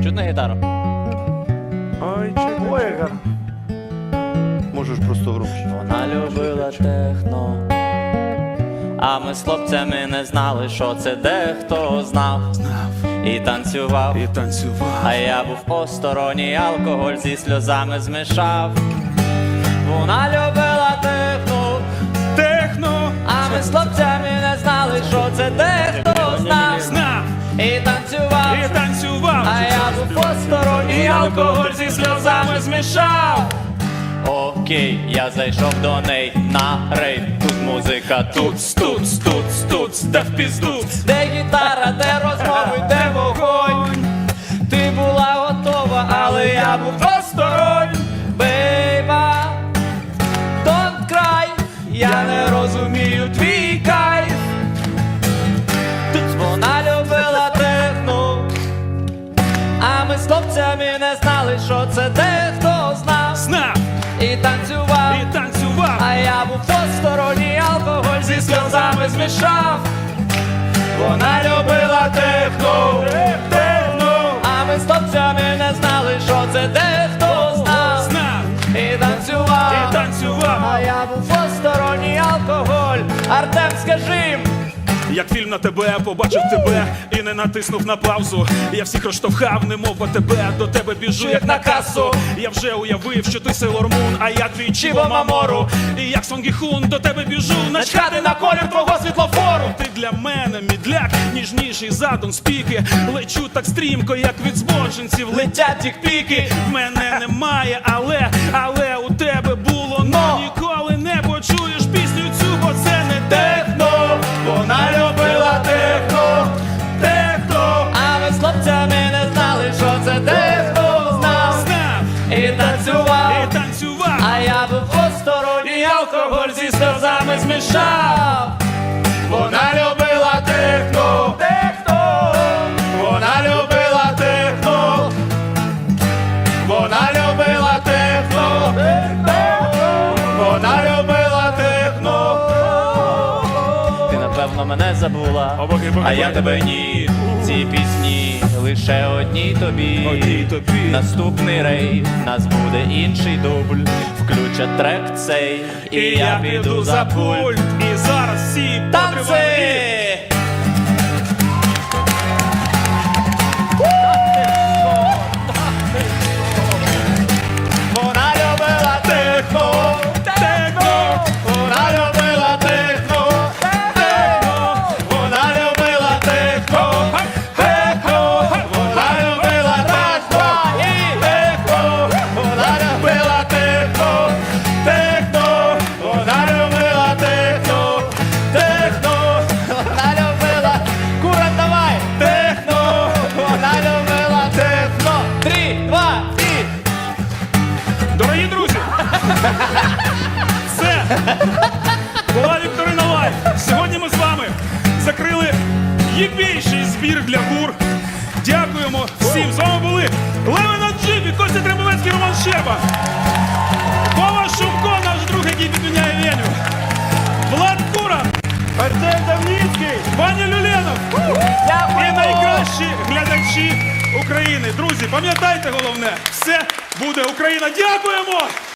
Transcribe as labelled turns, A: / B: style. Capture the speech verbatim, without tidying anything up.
A: чутно гітару?
B: Ой, чого яка? Можеш просто громче.
A: Вона любила техно, а ми з хлопцями не знали, що це дехто знав.
C: Знав
A: І танцював,
C: і танцював.
A: а я був осторонній, алкоголь зі сльозами змішав. Вона любила техно,
C: Техно,
A: а ми з хлопцями не знали, що це дехто знав.
C: знав
A: І танцював,
C: і танцював.
A: а я був осторонній, алкоголь зі сльозами змішав. Окей, я зайшов до неї на рейв. Тут музика, тут
C: Туц, туц, туц, туц, да в пізду.
A: де гітара, де розмови, де вогонь. Ти була готова, але я був осторонь. Бейба, don't cry, я не розумію твій кайф. Тут вона любила техно, а ми з хлопцями не знали, що це дехто знав.
C: Знав
A: І танцював,
C: і танцював.
A: а я був посторонній, алкоголь зі сльозами змішав. Вона любила техно,
C: Техно,
A: а ми з хлопцями не знали, що це дехто знав.
C: знав
A: І танцював,
C: і танцював.
A: а я був посторонній, алкоголь. Артем, скажи,
C: Як фільм на тебе, побачив тебе і не натиснув на паузу. Я всіх розштовхав, немов тебе, до тебе біжу, як на касу. Я вже уявив, що ти Сейлор Мун, а я твій Чібо Мамору. І як Сонгі Хун, до тебе біжу, начхати на колір твого світлофору. Ти для мене мідляк, ніжніший задум спіки. Лечу так стрімко, як від збочинців летять тік-піки. В мене немає, але, але у тебе було, но ніколи не почуєш пісню цю, бо це не техно. Вона любила техно, техно,
A: а ми з хлопцями не знали, що це дехто знав.
C: знав
A: І танцював,
C: і танцював.
A: а я був посторонній, алкоголь зі сльозами змішав.
C: Вона любила техно, техно, вона любила техно, вона любила техно, техно, вона любила техно.
A: Ти напевно мене забула,
C: О, боги, боги,
A: а я
C: боги.
A: тебе ні. Ці пісні лише одній тобі.
C: Одній тобі.
A: Наступний рейв, нас буде інший дубль. Включать трек цей, і, я піду за пульт.
C: І зараз всі
A: Танці!
C: потримаємо.
A: Вона любила техно,
C: Техно,
A: вона любила техно, техно, вона любила техно, техно, вона любила техно, і техно, вона любила техно, техно, вона любила техно, техно, вона любила, кура, давай, техно, вона любила техно. Три, два, і...
C: Дорогі друзі, все, була Вікторина Лайв. Сьогодні ми з вами закрили єбійший збір для гур. Дякуємо всім. З вами були Левина Джибі, Костя Требовецький, Роман Щерба, Вова Шумко, наш друг, який підміняє Леню, Влад Кура,
B: Артем Давніцький!
C: Ваня Люленов і найкращі глядачі України. Друзі, пам'ятайте головне, все буде Україна. Дякуємо!